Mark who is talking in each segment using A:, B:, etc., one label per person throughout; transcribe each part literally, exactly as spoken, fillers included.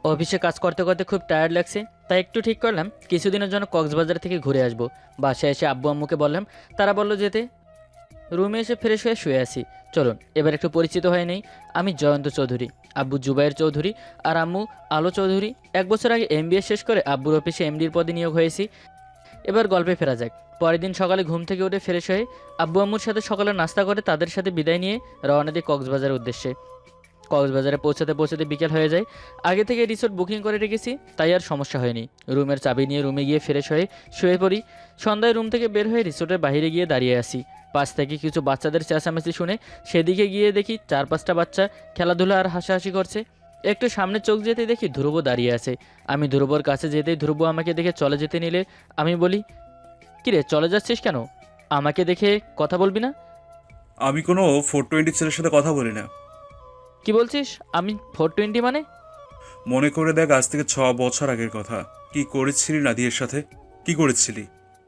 A: অফিসে কাজ করতে করতে খুব টায়ার্ড লাগছে, তাই একটু ঠিক করলাম কিছুদিনের জন্য কক্সবাজার থেকে ঘুরে আসবো। বাসায় এসে আব্বু আম্মুকে বললাম, তারা বললো যেতে। রুমে এসে ফ্রেশ হয়ে শুয়ে আছি। চলুন এবার একটু পরিচিত হয়ে নেই। আমি জয়ন্ত চৌধুরী, আব্বু জুবাইর চৌধুরী আর আম্মু আলো চৌধুরী। এক বছর আগে এমবিএ শেষ করে আব্বুর অফিসে এমডির পদে নিয়োগ হয়েছি। এবার গল্পে ফেরা যাক। পরের দিন সকালে ঘুম থেকে উঠে ফ্রেশ হয়ে আব্বু আম্মুর সাথে সকালে নাস্তা করে তাদের সাথে বিদায় নিয়ে রওনা দিই কক্সবাজারের উদ্দেশ্যে। কক্সবাজারে পৌঁছাতে পৌঁছাতে বিকেল হয়ে যায়। আগে থেকে রিসোর্ট বুকিং করে রেখেছি, তাই আর সমস্যা হয়নি। রুমের চাবি নিয়ে রুমে গিয়ে ফ্রেশ হয়ে শুয়ে পড়ি। সন্ধ্যায় রুম থেকে বের হয়ে রিসোর্টের বাইরে গিয়ে দাঁড়িয়ে আসি। পাশ থেকে কিছু বাচ্চাদের চেঁচামেচি শুনে সেদিকে গিয়ে দেখি চার পাঁচটা বাচ্চা খেলাধুলা আর হাসাহাসি করছে। একটু সামনে চোখ যেতে দেখি ধ্রুব দাঁড়িয়ে আছে। আমি ধ্রুবর কাছে যেতেই ধ্রুব আমাকে দেখে চলে যেতে নিলে আমি বলি, কিরে চলে যাচ্ছিস কেন? আমাকে দেখে কথা বলবি না?
B: আমি কোনো ফোর টোয়েন্টি ছেলের সাথে কথা বলি না।
A: কি বলছিস? আমি ফোর টোয়েন্টি মানে?
B: মনে করে দেখ, আজ থেকে ছ বছর আগের কথা। কি করেছিলি নাদিয়ার সাথে? কি করেছিলি?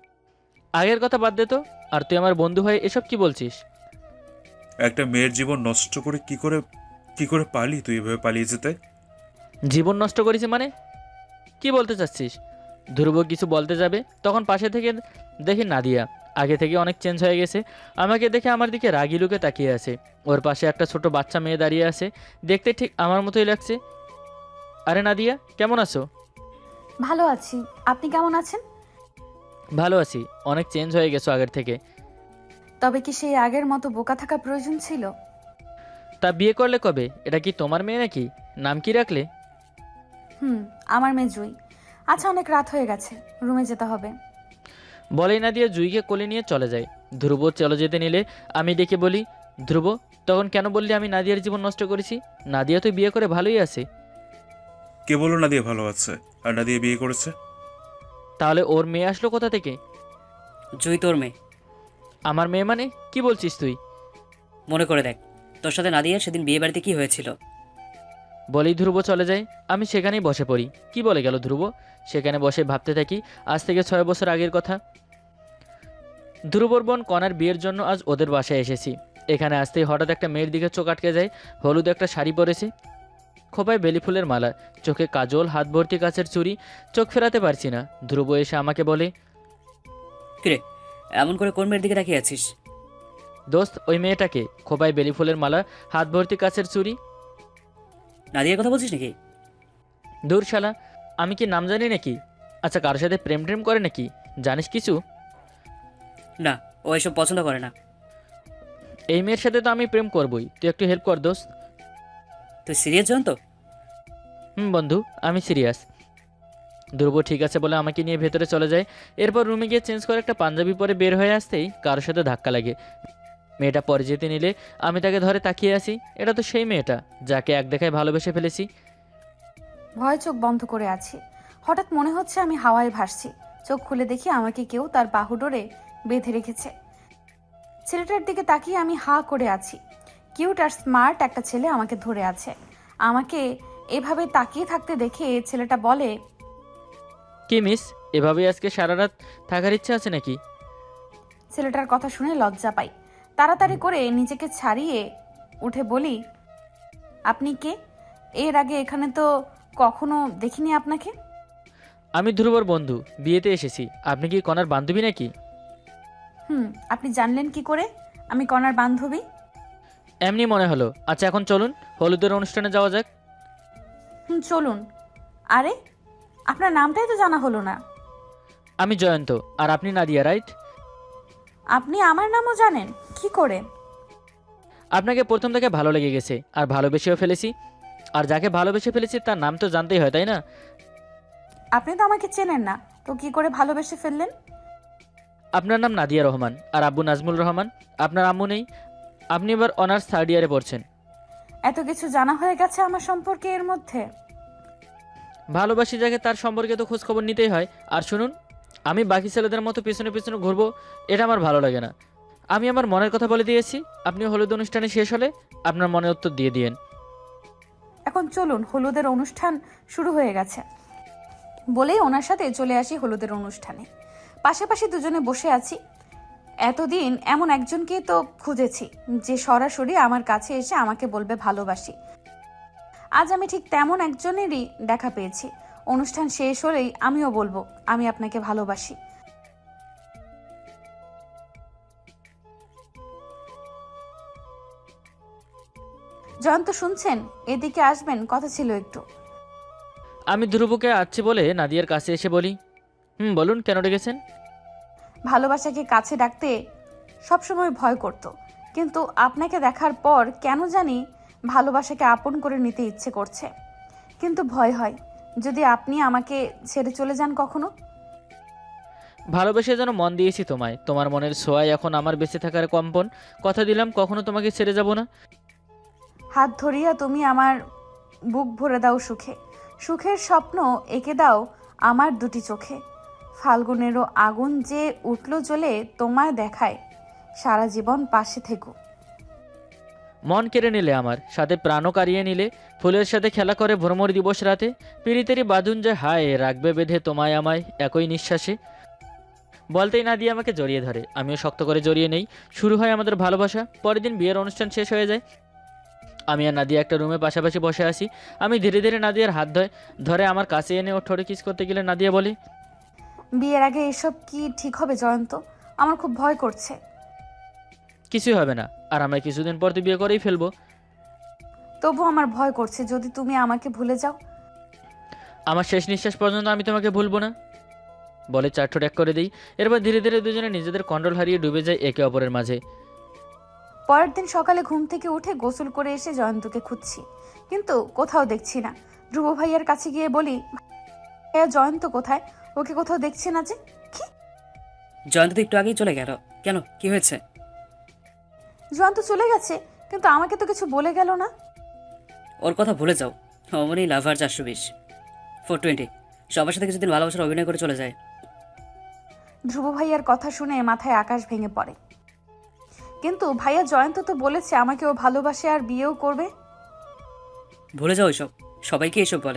A: আগের কথা বাদ দে তো। আর তুই আমার বন্ধু হয়ে এসব কি বলছিস?
B: একটা মেয়ের জীবন নষ্ট করে কি করে কি করে পালি তুই এভাবে পালিয়ে যেতে?
A: জীবন নষ্ট করেছি মানে? কি বলতে চাচ্ছিস? ধ্রুব কিছু বলতে যাবে, তখন পাশে থেকে দেখি নাদিয়া আগে থেকে অনেক চেঞ্জ হয়ে গেছে। আমাকে দেখে আমার দিকে রাগি লুকে তাকিয়ে আছে। ওর পাশে একটা ছোট বাচ্চা মেয়ে দাঁড়িয়ে আছে, দেখতে ঠিক আমার মতোই লাগছে। আরে নাদিয়া, কেমন আছো?
C: ভালো আছি। আপনি কেমন আছেন?
A: ভালো আছি। অনেক চেঞ্জ হয়ে গেছো আগের থেকে।
C: তবে কি সেই আগের মতো বোকা থাকা প্রয়োজন ছিল?
A: তা বিয়ে করলে কবে? এটা কি তোমার মেয়ে নাকি? নাম কি রাখলে?
C: হুম, আমার মেয়ে জুই। আচ্ছা, অনেক রাত হয়ে গেছে, রুমে যেতে হবে।
A: বলেই নাদিয়া জুইকে কোলে নিয়ে চলে যায়। ধ্রুব চলে যেতে নিলে আমি ডেকে বলি, ধ্রুব তখন কেন বললি আমি নাদিয়ার জীবন নষ্ট করেছি? নাদিয়া তো বিয়ে করে ভালোই আছে।
B: কে বললো নাদিয়া ভালো আছে আর নাদিয়া বিয়ে করেছে?
A: তাহলে ওর মেয়ে আসলো কোথা থেকে?
D: জুই তোর মেয়ে।
A: আমার মেয়ে মানে? কি বলছিস তুই?
D: মনে করে দেখ, তোর সাথে নাদিয়ার সেদিন বিয়ে বাড়িতে কি হয়েছিল।
A: বলেই ধ্রুব চলে যায়। আমি সেখানেই বসে পড়ি। কি বলে গেল ধ্রুব? সেখানে বসে ভাবতে থাকি আজ থেকে ছয় বছর আগের কথা। ধ্রুবর বোন কনার বিয়ের জন্য আজ ওদের বাসায় এসেছি। এখানে আসতেই হঠাৎ একটা মেয়ের দিকে চোখ আটকে যায়। হলুদ একটা শাড়ি পরেছে, খোপায় বেলি ফুলের মালা, চোখে কাজল, হাত ভর্তি কাচের চুড়ি। চোখ ফেরাতে পারছি না। ধ্রুব এসে আমাকে বলে,
D: কিরে এমন করে কোন মেয়ের দিকে তাকিয়ে আছিস?
A: দোস্ত ওই মেয়েটাকে, খোপায় বেলি ফুলের মালা, হাত ভর্তি কাচের চুড়ি।
D: নাদিয়ার কথা বলছিস নাকি?
A: দূর শালা, আমি কি নাম জানি নাকি? আচ্ছা কারোর সাথে প্রেম প্রেম করে নাকি? জানিস কিছু?
D: না, ও এসব পছন্দ করে না।
A: এই মেয়ের সাথে তো আমি প্রেম করবই, তুই একটু হেল্প কর দোস্ত।
D: তুই সিরিয়াস জন তো?
A: হুম বন্ধু, আমি সিরিয়াস। ধ্রুব ঠিক আছে বলে আমাকে নিয়ে ভেতরে চলে যায়। এরপর রুমে গিয়ে চেঞ্জ করে একটা পাঞ্জাবি পরে বের হয়ে আসতেই কারোর সাথে ধাক্কা লাগে। মেয়েটা পরে যেতে নিলে আমি তাকে ধরে তাকিয়ে আসি। এটা তো সেই মেয়েটা যাকে এক দেখায় ভালোবেসে ফেলেছি।
C: ভয় চোখ বন্ধ করে আছি। হঠাৎ মনে হচ্ছে আমি হাওয়ায় ভাসছি। চোখ খুলে দেখি আমাকে কেউ তার বাহুডোরে বেঁধে রেখেছে। ছেলেটার দিকে তাকিয়ে আমি হা করে আছি। কিউট আর স্মার্ট একটা ছেলে আমাকে ধরে আছে। আমাকে এভাবে তাকিয়ে থাকতে দেখে ছেলেটা বলে,
A: কি মিস, এভাবেই আজকে সারা রাত থাকার ইচ্ছা আছে নাকি?
C: ছেলেটার কথা শুনে লজ্জা পাই। তাড়াতাড়ি করে নিজেকে ছাড়িয়ে উঠে বলি, আপনি কে? এর আগে এখানে তো কখনো দেখিনি আপনাকে।
A: আমি ধ্রুবর বন্ধু, বিয়েতে এসেছি। আপনি কি কনার বান্ধবী নাকি?
C: হুম, আপনি জানলেন কি করে আমি কনার বান্ধবী?
A: এমনি মনে হলো। আচ্ছা এখন চলুন হলুদের অনুষ্ঠানে যাওয়া যাক।
C: হুম, চলুন। আরে, আপনার নামটাই তো জানা হলো না।
A: আমি জয়ন্ত, আর আপনি নাদিয়া, রাইট?
C: আপনি আমার নামও জানেন কি করে?
A: আপনাকে প্রথম থেকে ভালো লেগে গেছে আর ভালোবেসেও ফেলেছি। আর যাকে ভালোবেসে ফেলেছি তার নাম তো জানতেই হয়, তাই না?
C: আপনি তো আমাকে চেনেন না, তো কি করে ভালোবেসে ফেললেন?
A: আপনার নাম নাদিয়া রহমান আর আব্বু নাজমুল রহমান। আপনার আম্মু নেই। আপনি এবার অনার্স থার্ড ইয়ারে পড়ছেন।
C: এত কিছু জানা হয়ে গেছে আমার সম্পর্কে এর মধ্যে।
A: ভালোবাসি যাকে তার সম্পর্কে তো খোঁজ খবর নিতেই হয়। আর শুনুন, আমি বাকি ছেলেদের মতো পিছনে পিছনে ঘুরবো এটা আমার ভালো লাগে না। আমি আমার মনের কথা বলে দিয়েছি। আপনি হলুদ অনুষ্ঠানে শেষ হলে আপনার মনে উত্তর দিয়ে দিয়েন।
C: এখন চলুন, হলুদের অনুষ্ঠান শুরু হয়ে গেছে। বলেই ওনার সাথে চলে আসি হলুদের অনুষ্ঠানে। পাশাপাশি দুজনে বসে আছি। এতদিন এমন একজনকে তো খুঁজেছি যে সরাসরি আমার কাছে এসে আমাকে বলবে ভালোবাসি। আজ আমি ঠিক তেমন একজনেরই দেখা পেয়েছি। অনুষ্ঠান শেষ হলেই আমিও বলবো আমি আপনাকে ভালোবাসি। জয়ন্ত শুনছেন? এদিকে আসবেন, কথা ছিল একটু।
A: আমি ধ্রুবকে আসছি বলে নাদিয়ার কাছে এসে বলি, হুম বলুন, কেন ডেকেছেন?
C: ভালোবাসাকে কাছে ডাকতে সবসময় ভয় করত, কিন্তু আপনাকে দেখার পর কেন জানি ভালোবাসাকে আপন করে নিতে ইচ্ছে করছে, কিন্তু ভয় হয় যদি আপনি আমাকে ছেড়ে চলে যান কখনো।
A: ভালোবেসে যেন মন দিয়েছি তোমায়, তোমার মনের ছোঁয়ায় এখন আমার বেঁচে থাকার কম্পন। কথা দিলাম কখনো তোমাকে ছেড়ে যাব না।
C: হাত ধরিয়া তুমি আমার বুক ভরে দাও সুখে, সুখের স্বপ্ন এঁকে দাও আমার দুটি চোখে। ফাল্গুনেরও আগুন যে উঠল জ্বলে, তোমায় দেখায় সারা জীবন পাশে থেকো।
A: মন কেড়ে নিলে আমার, সাথে প্রাণও কারিয়ে নিলে। ফুলের সাথে খেলা করে ভ্রমর দিবস রাতে, পিড়িতেরই বাঁধুন যে হায় রাখবে বেঁধে তোমায় আমায় একই নিঃশ্বাসে। বলতেই নাদিয়া আমাকে জড়িয়ে ধরে, আমিও শক্ত করে জড়িয়ে নেই। শুরু হয় আমাদের ভালোবাসা। পরের দিন বিয়ের অনুষ্ঠান শেষ হয়ে যায়। আমি আর নাদিয়া একটা রুমে পাশাপাশি বসে আছি। আমি ধীরে ধীরে নাদিয়ার হাত ধরে ধরে আমার কাছে এনে ও ঠোঁটে কিস করতে গেলে নাদিয়া বলে,
C: বিয়ের আগে এসব কি ঠিক হবে জয়ন্ত? আমার খুব ভয় করছে।
A: কিছুই হবে না, আর আমরা কিছুদিন পর তো বিয়ে করেই ফেলবো।
C: তবু আমার ভয় করছে যদি তুমি আমাকে ভুলে যাও।
A: আমার শেষ নিঃশ্বাস পর্যন্ত আমি তোমাকে ভুলবো না বলে চার ঠোঁট এক করে দিই। এরপর ধীরে ধীরে দুজনে নিজেদের কন্ট্রোল হারিয়ে ডুবে যায় একে অপরের মাঝে।
C: পরের দিন সকালে ঘুম থেকে উঠে গোসল করে এসে জয়ন্তকে খুঁজছি, কিন্তু কোথাও দেখছি না। ধ্রুব ভাইয়ার কাছে গিয়ে বলি, ভাইয়া জয়ন্ত কোথায়? ওকে কোথাও দেখছি না যে। কি?
D: জয়ন্ত তো একটু আগেই চলে গেল। কেন, কি হয়েছে?
C: জয়ন্ত চলে গেছে, কিন্তু আমাকে তো কিছু বলে গেল না।
D: ওর কথা ভুলে যাও। অমনি লাভার চারশো বিশ ফোর টোয়েন্টি সবার সাথে কিছুদিন ভালোবাসার অভিনয় করে চলে যায়।
C: ধ্রুব ভাইয়ার কথা শুনে মাথায় আকাশ ভেঙে পড়ে। কিন্তু ভাইয়া জয়ন্ত তো বলেছে আমাকে ও ভালোবাসে আর বিয়েও করবে।
D: ভুলে যাও এসব, সবাইকে এসব বলে।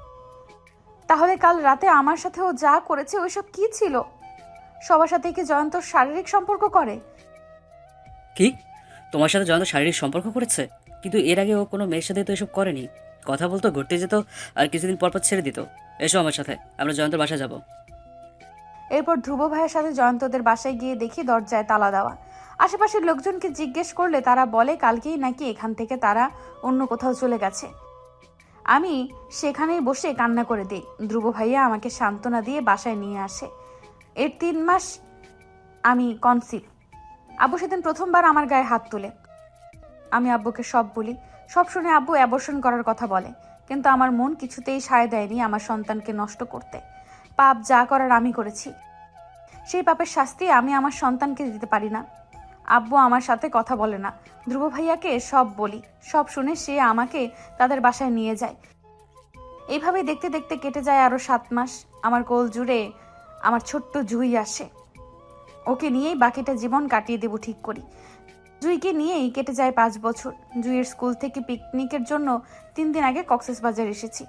C: তাহলে কাল রাতে আমার সাথে ও যা করেছে ওইসব কি ছিল? সবার সাথে কি জয়ন্ত শারীরিক সম্পর্ক করে?
D: কি? তোমার সাথে জয়ন্ত শারীরিক সম্পর্ক করেছে? কিন্তু এর আগে ও কোনো মেয়ের সাথে তো এসব করেনি। কথা বলতো, ঘুরতে যেত, আর কিছুদিন পর পর ছেড়ে দিত। এসো আমার সাথে, আমরা জয়ন্তর বাসায় যাব।
C: এরপর ধ্রুব ভাইয়ের সাথে জয়ন্তদের বাসায় গিয়ে দেখি দরজায় তালা দেওয়া। আশেপাশের লোকজনকে জিজ্ঞেস করলে তারা বলে কালকেই নাকি এখান থেকে তারা অন্য কোথাও চলে গেছে। আমি সেখানেই বসে কান্না করে দিই। ধ্রুব ভাইয়া আমাকে সান্ত্বনা দিয়ে বাসায় নিয়ে আসে। এর তিন মাস আমি কনসিভ। আব্বু সেদিন প্রথমবার আমার গায়ে হাত তুলে। আমি আব্বুকে সব বলি। সব শুনে আব্বু অ্যাবর্শন করার কথা বলে, কিন্তু আমার মন কিছুতেই সায় দেয়নি আমার সন্তানকে নষ্ট করতে। পাপ যা করার আমি করেছি, সেই পাপের শাস্তি আমি আমার সন্তানকে দিতে পারি না। আব্বু আমার সাথে কথা বলে না। ধ্রুব ভাইয়াকে সব বলি, সব শুনে সে আমাকে তাদের বাসায় নিয়ে যায়। এইভাবেই দেখতে দেখতে কেটে যায় আরো সাত মাস। আমার কোল জুড়ে আমার ছোট্ট জুই আসে। ওকে নিয়েই বাকিটা জীবন কাটিয়ে দেব ঠিক করি। জুইকে নিয়েই কেটে যায় পাঁচ বছর। জুইয়ের স্কুল থেকে পিকনিকের জন্য তিন দিন আগে কক্সবাজার এসেছি।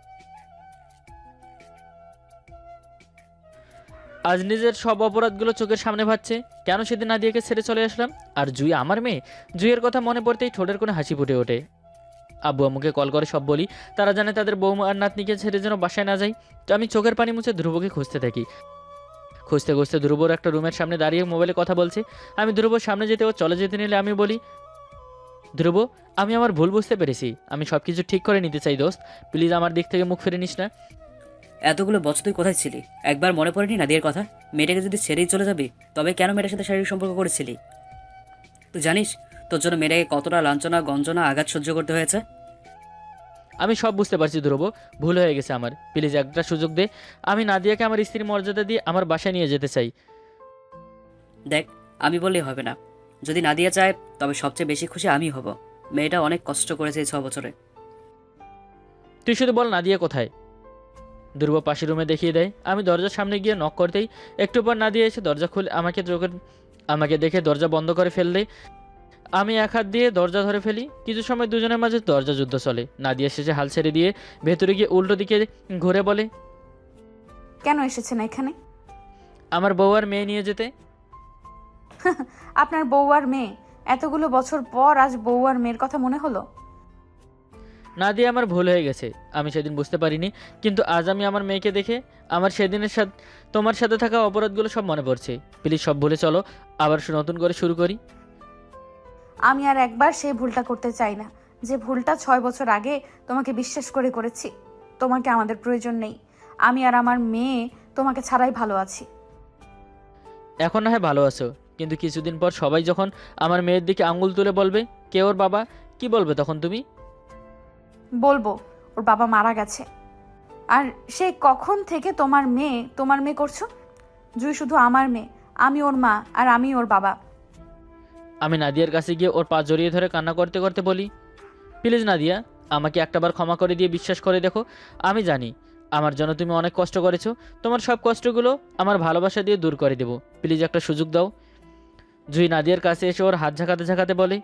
A: আজ নিজের সব অপরাধগুলো চোখের সামনে ভাবছে, কেন সেদিন নাদিয়াকে ছেড়ে চলে আসলাম। আর জুই আমার মেয়ে। জুইয়ের কথা মনে পড়তেই ঠোঁটের কোনো হাসি ফুটে ওঠে। আব্বু আম্মুকে কল করে সব বলি। তারা জানে তাদের বৌমা আর নাতনিকে ছেড়ে যেন বাসায় না যাই। তো আমি চোখের পানি মুছে ধ্রুবকে খুঁজতে থাকি। খুঁজতে খুঁজতে ধ্রুবর একটা রুমের সামনে দাঁড়িয়ে মোবাইলে কথা বলছে। আমি ধ্রুবর সামনে যেতে ও চলে যেতে নিলে আমি বলি, ধ্রুব আমি আমার ভুল বুঝতে পেরেছি, আমি সব কিছু ঠিক করে নিতে চাই দোস্ত, প্লিজ আমার দিক থেকে মুখ ফিরে নিস না।
D: এতগুলো বছর তুই কোথায় ছিলি? একবার মনে পড়েনি নাদিয়ার কথা? মেয়েটাকে যদি ছেড়েই চলে যাবি, তবে কেন মেয়েটার সাথে শারীরিক সম্পর্ক করেছিলি? তুই জানিস তোর জন্য মেয়েটাকে কতটা লাঞ্ছনা, গঞ্জনা, আঘাত সহ্য করতে হয়েছে?
A: আমি সব বুঝতে পারছি ধ্রুব, ভুল হয়ে গেছে আমার, প্লিজ একটা সুযোগ দে। আমি নাদিয়াকে আমার স্ত্রীর মর্যাদা দিয়ে আমার বাসায় নিয়ে যেতে চাই।
D: দেখ, আমি বললেই হবে না। যদি নাদিয়া চায় তবে সবচেয়ে বেশি খুশি আমি হব। মেয়েটা অনেক কষ্ট করেছে এই ছ বছরে।
A: তুই শুধু বল নাদিয়া কোথায়। ধ্রুব পাশের রুমে দেখিয়ে দেয়। আমি দরজার সামনে গিয়ে নক করতেই একটু পর নাদিয়া এসে দরজা খুলে আমাকে চোখের আমাকে দেখে দরজা বন্ধ করে ফেল দেয়। আমি এক হাত দিয়ে দরজা ধরে ফেলি। কিছু সময় দুজনের মাঝে দরজা যুদ্ধ চলে। নাদিয়া শেষে হাল ছেড়ে দিয়ে ভেতরে গিয়ে উল্টো দিকে ঘুরে বলে,
C: কেন এসেছেন এখানে?
A: আমার বউ আর মেয়ে নিয়ে যেতে।
C: আপনার বউ আর মেয়ে? এতগুলো বছর পর আজ বউ আর মেয়ের কথা মনে হলো?
A: নাদিয়া, আমার ভুল হয়ে গেছে। আমি সেদিন বুঝতে পারিনি, কিন্তু আজ আমি আমার মেয়েকে দেখে আমার সেদিনের সাথে তোমার সাথে থাকা অপরাধগুলো সব মনে পড়ছে। প্লিজ সব ভুলে চলো, আবার নতুন করে শুরু করি।
C: আমি আর একবার সেই ভুলটা করতে চাই না, যে ভুলটা ছয় বছর আগে তোমাকে বিশ্বাস করে করেছি। তোমাকে আমাদের প্রয়োজন নেই। আমি আর আমার মেয়ে তোমাকে ছাড়াই ভালো আছি।
A: এখন না হয় ভালো আছো, কিন্তু কিছুদিন পর সবাই যখন আমার মেয়ের দিকে আঙুল তুলে বলবে কে ওর বাবা, কি বলবে তখন তুমি?
C: বলবো ওর বাবা মারা গেছে। আর সে কখন থেকে তোমার মেয়ে তোমার মেয়ে করছো? জুই শুধু আমার মেয়ে, আমি ওর মা আর আমি ওর বাবা।
A: আমি নাদিয়ার কাছে গিয়ে ওর পা জড়িয়ে ধরে কান্না করতে করতে বলি, প্লিজ নাদিয়া, আমাকে একটাবার ক্ষমা করে দিয়ে বিশ্বাস করে দেখো। আমি জানি আমার জন্য তুমি অনেক কষ্ট করেছো, তোমার সব কষ্টগুলো আমার ভালোবাসা দিয়ে দূর করে দেবো। প্লিজ একটা সুযোগ দাও। জুই নাদিয়ার কাছে এসে ওর হাত ঝাঁকাতে ঝাঁকাতে বলে,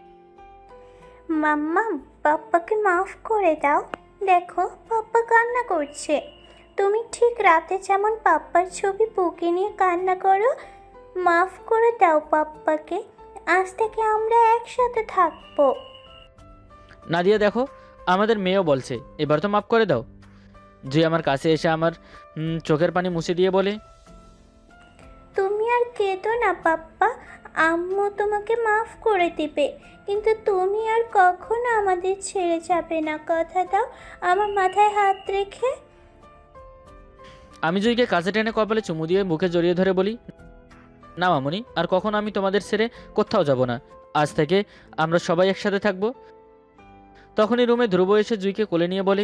E: মাম্মা, পাপ্পাকে মাফ করে দাও। দেখো পাপ্পা কান্না করছে। তুমি ঠিক রাতে যেমন পাপ্পার ছবি বুকে নিয়ে কান্না করো, মাফ করে দাও পাপ্পাকে। আজ থেকে আমরা একসাথে থাকবো।
A: নাদিয়া দেখো, আমাদের মেয়েও বলছে, এবার তো মাফ করে দাও। জুই আমার কাছে এসে আমার উম, চোখের পানি মুছে দিয়ে বলে,
E: তুমি আর কেঁদো না পাপ্পা, আম্মু তোমাকে মাফ করে দিবে। কিন্তু তুমি আর কখনো আমাদের ছেড়ে যাবে না, কথা দাও আমার মাথায় হাত রেখে।
A: আমি জুইকে কাছে টেনে কপালে চুমু দিয়ে বুকে জড়িয়ে ধরে বলি, না মামুনি, আর কখনো আমি তোমাদের ছেড়ে কোথাও যাব না। আজ থেকে আমরা সবাই একসাথে থাকবো। তখনই রুমে ধ্রুব এসে জুইকে কোলে নিয়ে বলে,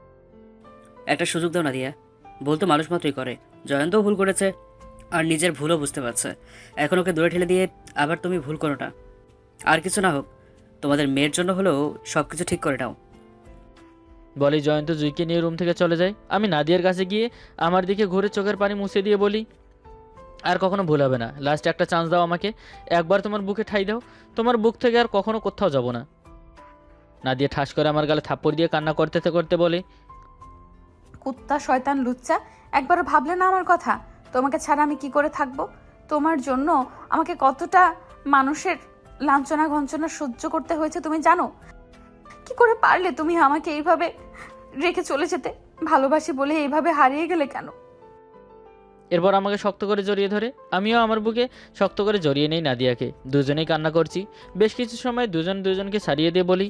D: একটা সুযোগ দাও নাদিয়া। ভুল তো মানুষ মাত্রই করে। জয়ন্তও ভুল করেছে আর নিজের ভুলও বুঝতে পারছে। এখন ওকে দূরে ঠেলে দিয়ে আবার তুমি ভুল করো না। আর কিছু না হোক, তোমাদের মেয়ের জন্য হলেও সব কিছু ঠিক করে নাও।
A: বলে জয়ন্ত জুইকে নিয়ে রুম থেকে চলে যায়। আমি নাদিয়ার কাছে গিয়ে আমার দিকে ঘুরে চোখের পানি মুছে দিয়ে বলি, আর কখনো ভুল হবে না। লাস্ট একটা চান্স দাও আমাকে, একবার তোমার বুকে ঠাই দাও। তোমার বুক থেকে আর কখনো কোথাও যাব না। নাদিয়া ঠাস করে আমার গালে থাপ্পড় দিয়ে কান্না করতে করতে বলে,
C: কুত্তা, শয়তান, লুচ্চা, একবারও ভাবলে না আমার কথা? তোমাকে ছাড়া আমি কি করে থাকবো? তোমার জন্য আমাকে কতটা মানুষের লাঞ্ছনা গঞ্চনা সহ্য করতে হয়েছে তুমি জানো? কি করে পারলে তুমি আমাকে এইভাবে রেখে চলে যেতে? ভালোবাসি বলে এইভাবে হারিয়ে গেলে কেন?
A: এরপর আমাকে শক্ত করে জড়িয়ে ধরে, আমিও আমার বুকে শক্ত করে জড়িয়ে নেই নাদিয়াকে। দুজনেই কান্না করছি। বেশ কিছু সময় দুজন দুজনকে ছাড়িয়ে দিয়ে বলি,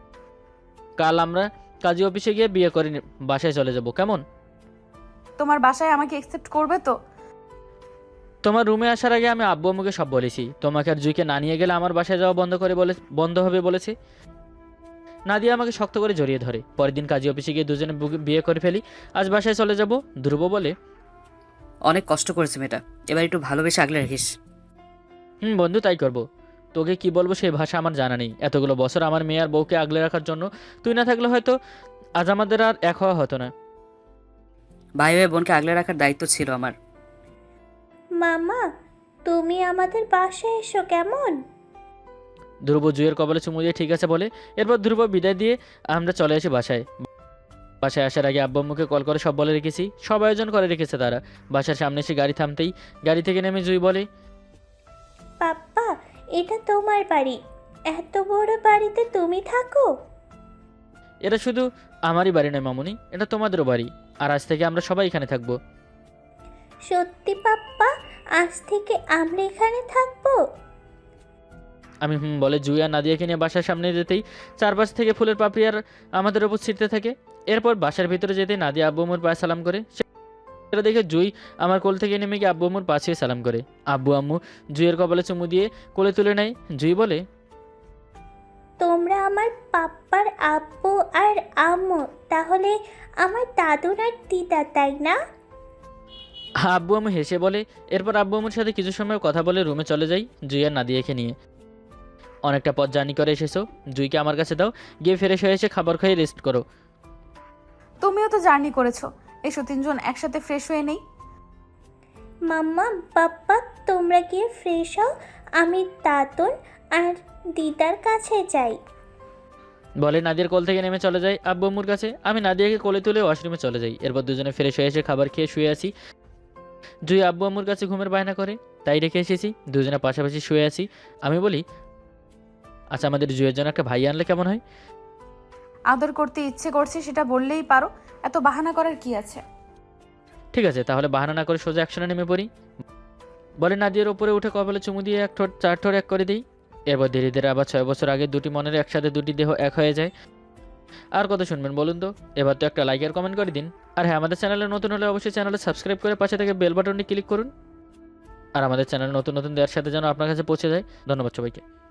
A: কাল আমরা কাজী অফিসে গিয়ে বিয়ে করে নি- বাসায় চলে যাব, কেমন?
C: তোমার বাসায় আমাকে একসেপ্ট করবে তো?
A: তোমার রুমে আসার আগে আমি আব্বু আম্মুকে সব বলেছি। তোমাকে আর জুইকে না নিয়ে গেলে আমার বাসায় যাওয়া বন্ধ করে বলে বন্ধ হবে বলেছে। নাদিয়া আমাকে শক্ত করে জড়িয়ে ধরে। পরের দিন কাজী অফিসে গিয়ে দুজনে বুকে- বিয়ে করে ফেলি। আজ বাসায় চলে যাব। ধ্রুব বলে,
D: অনেক কষ্ট করেছে মেয়েটা, এবার একটু ভালোবেসে আগলে রাখিস।
A: হুম বন্ধু, তাই করব। তোকে কি বলবো সেই ভাষা আমার জানা নেই। এতগুলো বছর আমার মেয়ে আর বউকে আগলে রাখার জন্য তুই না থাকলে হয়তো আজ আমাদের আর এক হওয়া হতো না।
D: ভাই ভাই বোনকে আগলে রাখার দায়িত্ব ছিল আমার।
E: মামা, তুমি আমাদের বাসায় এসো কেমন?
A: ধ্রুব জুয়ের কপালে চুমু দিয়ে ঠিক আছে বলে। এরপর ধ্রুব বিদায় দিয়ে আমরা চলে আসি বাসায়। বাসায় আসার আগে আব্বু আম্মুকে কল করে সব বলে রেখেছি। সব আয়োজন করে রেখেছে তারা। বাসার সামনে এসে গাড়ি থামতেই গাড়ি থেকে নেমে জুই বলে,
E: পাপ্পা, এটা তোমার বাড়ি। এত বড় বাড়িতে তুমি থাকো?
A: এটা শুধু আমারই বাড়ি নয় মামুনি, এটা তোমাদেরও বাড়ি। আর আজ থেকে আমরা সবাই এখানে থাকবো।
E: সত্যি পাপ্পা, আজ থেকে আমরা এখানে থাকবো?
A: আমি হুম বলে জুই আর নাদিয়াকে নিয়ে বাসার সামনে যেতেই চারপাশ থেকে ফুলের পাপড়ি আর আমাদের ওপর ছিটতে থাকে। এরপর বাসার ভিতরে যেতেই নাদিয়া আব্বু আম্মুর পায়ে সালাম করে। সেটা দেখে জুই আমার কোল থেকে নেমে গিয়ে আব্বু আম্মুর পাশে সালাম করে। আব্বু আম্মু জুইয়ের কপালে চুমু দিয়ে কোলে তুলে নেয়। জুই বলে,
E: তোমরা আমার পাপ্পার আব্বু আর আম্মু, তাহলে আমার দাদু আর দিদা, তাই না?
A: আব্বু আম্মু হেসে বলে। এরপর আব্বু আম্মুর সাথে কিছু সময় কথা বলে রুমে চলে যাই জুই আর নাদিয়াকে নিয়ে। অনেকটা পথ জার্নি করে এসেছো, জুইকে আমার কাছে দাও। গিয়ে ফ্রেশ হয়ে এসে খাবার খেয়ে রেস্ট করো।
C: তুমিও তো জার্নি করেছো, এসো তিনজন একসাথে ফ্রেশ হয়ে নেই।
E: মাম্মা, পাপ্পা, তোমরা গিয়ে ফ্রেশ হও, আমি দাদুন আর দিদার কাছে যাই।
A: বলে নাদিয়ার কোল থেকে নেমে চলে যায় আব্বু আম্মুর কাছে। আমি নাদিয়াকে কোলে তুলে ওয়াশরুমে চলে যাই। এরপর দুজনে ফ্রেশ হয়ে এসে খাবার খেয়ে শুয়ে আছি। জুই আব্বু আম্মুর কাছে ঘুমের বায়না করে, তাই রেখে এসেছি। দুজনে পাশাপাশি শুয়ে আছি। আমি বলি, আচ্ছা আমাদের জুয়ের জন্য একটা ভাই আনলে কেমন হয়?
C: আদর করতে ইচ্ছে করছে সেটা বললেই পারো, এত বাহানা করার কি আছে?
A: ঠিক আছে, তাহলে বাহানা না করে সোজা অ্যাকশনে নেমে পড়ি। বলে নাদিয়ার ওপরে উঠে কপালে চুমু দিয়ে এক ঠোঁট চার ঠোঁট এক করে দিই। এরপর ধীরে ধীরে আবার ছয় বছর আগে দুটি মনের একসাথে দুটি দেহ এক হয়ে যায়। আর কত শুনবেন বলুন তো? এবার তো একটা লাইক আর কমেন্ট করে দিন। আর হ্যাঁ, আমাদের চ্যানেলে নতুন হলে অবশ্যই চ্যানেলে সাবস্ক্রাইব করে পাশে থেকে বেল বাটনটি ক্লিক করুন। আর আমাদের চ্যানেল নতুন নতুন দেওয়ার সাথে যেন আপনার কাছে পৌঁছে যায়। ধন্যবাদ সবাইকে।